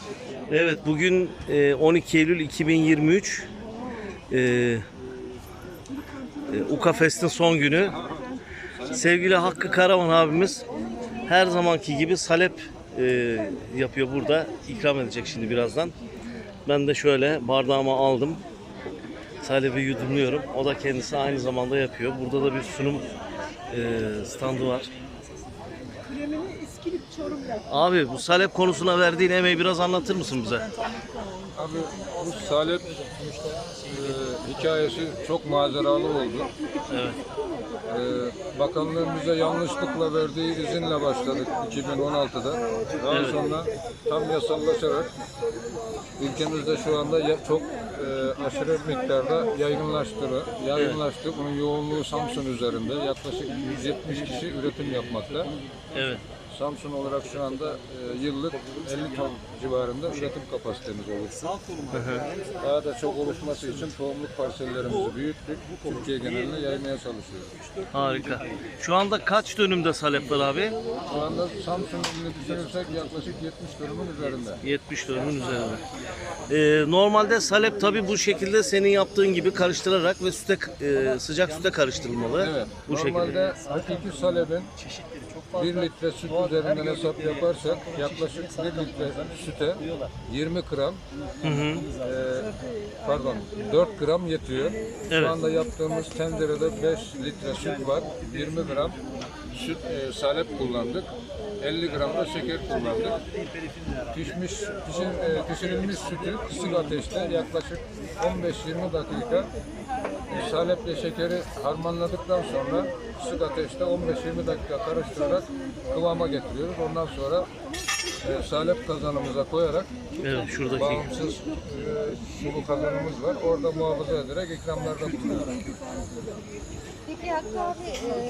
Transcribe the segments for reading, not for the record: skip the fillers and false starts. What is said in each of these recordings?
Evet, bugün 12 Eylül 2023 Ukafest'in son günü. Sevgili Hakkı Karaman abimiz her zamanki gibi salep yapıyor burada. İkram edecek şimdi birazdan. Ben de şöyle bardağıma aldım. Salebi yudumluyorum. O da kendisi aynı zamanda yapıyor. Burada da bir sunum standı var. Abi bu salep konusuna verdiğin emeği biraz anlatır mısın bize? Abi bu salep hikayesi çok maceralı oldu. Evet. Bakanlığın bize yanlışlıkla verdiği izinle başladık 2016'da. Daha sonra tam yasallaşarak ülkemizde şu anda çok aşırı miktarda yaygınlaştı. Bunun yoğunluğu Samsun üzerinde. Yaklaşık 170 kişi üretim yapmakta. Evet. Samsun olarak şu anda yıllık 50 ton civarında üretim kapasitemiz oluştu. Daha da çok oluşması için tohumluk parsellerimizi büyüttük. Türkiye geneline yaymaya çalışıyoruz. Harika. Şu anda kaç dönümde salep var abi? Şu anda Samsun ilini düşünürsek yaklaşık 70 dönümün üzerinde. 70 dönümün üzerinde. Normalde salep tabi bu şekilde senin yaptığın gibi karıştırarak ve sıcak süte karıştırılmalı. Evet. Bu Normalde hakiki salebin 1 litre süt üzerinden hesap yaparsak yaklaşık 1 litre süte 20 gram 4 gram yetiyor. Evet. Şu anda yaptığımız tencerede 5 litre süt var. 20 gram salep kullandık. 50 gram da şeker kullandık. Pişirilmiş sütü kısık ateşte yaklaşık 15-20 dakika saleple şekeri harmanladıktan sonra kısık ateşte 15-20 dakika karıştırarak kıvama getiriyoruz. Ondan sonra salep kazanımıza koyarak şuradaki bağımsız sulu kazanımız var. Orada muhafaza ederek ikramlarda bulunuyoruz. Peki Hakkı abi,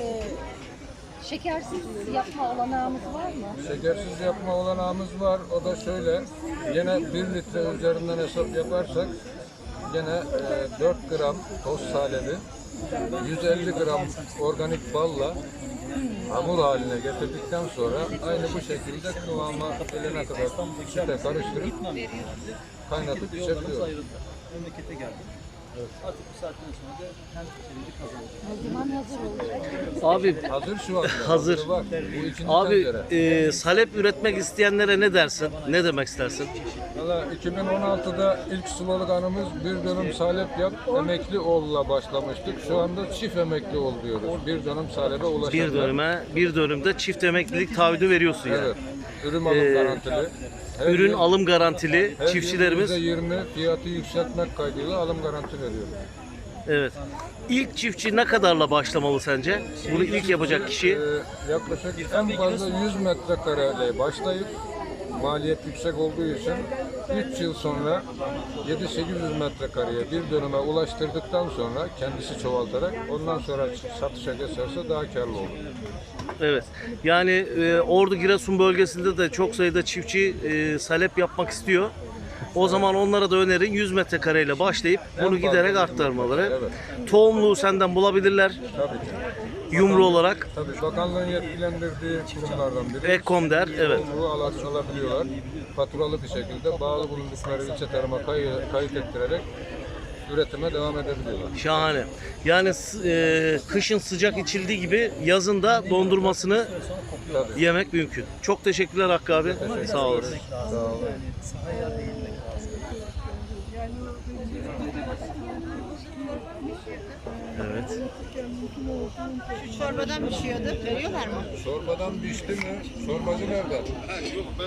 şekersiz yapma olanağımız var mı? Şekersiz yapma olanağımız var. O da şöyle, yine 1 litre üzerinden hesap yaparsak yine 4 gram toz salebi, 150 gram organik balla hamur haline getirdikten sonra aynı bu şekilde kıvama gelene kadar sütle karıştırıp kaynatıp içebiliyoruz. Memlekete geldim. Evet. Artık bu saatten sonra da hem içeriği kazanacak. O zaman hazır olacak. Abi Hazır şu an. Hazır. Var. Bu ikinci abi tencere. salep üretmek isteyenlere ne dersin? Ne demek istersin? Valla 2016'da ilk sloganımız bir dönüm salep yap, emekli ol'la başlamıştık. Şu anda çift emekli ol diyoruz. Bir dönüm salebe ulaşanlar. Bir dönümde çift emeklilik taahhüdü veriyorsun yani. Evet. Ürün alım garantili. Her Ürün yıl- alım garantili her yıl çiftçilerimiz. %20 fiyatı yükseltmek kaydıyla alım garanti veriyoruz. Evet. İlk çiftçi ne kadarla başlamalı sence? Bunu ilk yapacak kişi Yaklaşık en fazla 100 metrekareyle başlayıp maliyet yüksek olduğu için 3 yıl sonra 7-800 metrekareye bir dönüme ulaştırdıktan sonra kendisi çoğaltarak ondan sonra satışa geçerse daha karlı olur. evet. Yani Ordu Giresun bölgesinde de çok sayıda çiftçi salep yapmak istiyor. O zaman onlara da önerin 100 metrekareyle başlayıp bunu fazla giderek 100 arttırmaları. metrekare, Tohumluğu senden bulabilirler. Tabii ki. Yumru olarak. Tabii bakanlığın yetkilendirdiği kurumlardan biri. Ekkom der, evet. Yumruğu alabiliyorlar. Faturalı bir şekilde bağlı bulundukları ilçe tarıma kayıt ettirerek üretime devam edebiliyorlar. Şahane. Yani kışın sıcak içildiği gibi yazın da dondurmasını Tabii. yemek mümkün. Çok teşekkürler Hakkı abi. Sağ olasın. Sağ olun. Evet. Çorbadan pişiyordu. Veriyorlar mı? Sormadan pişti mi? Sormacı nerede?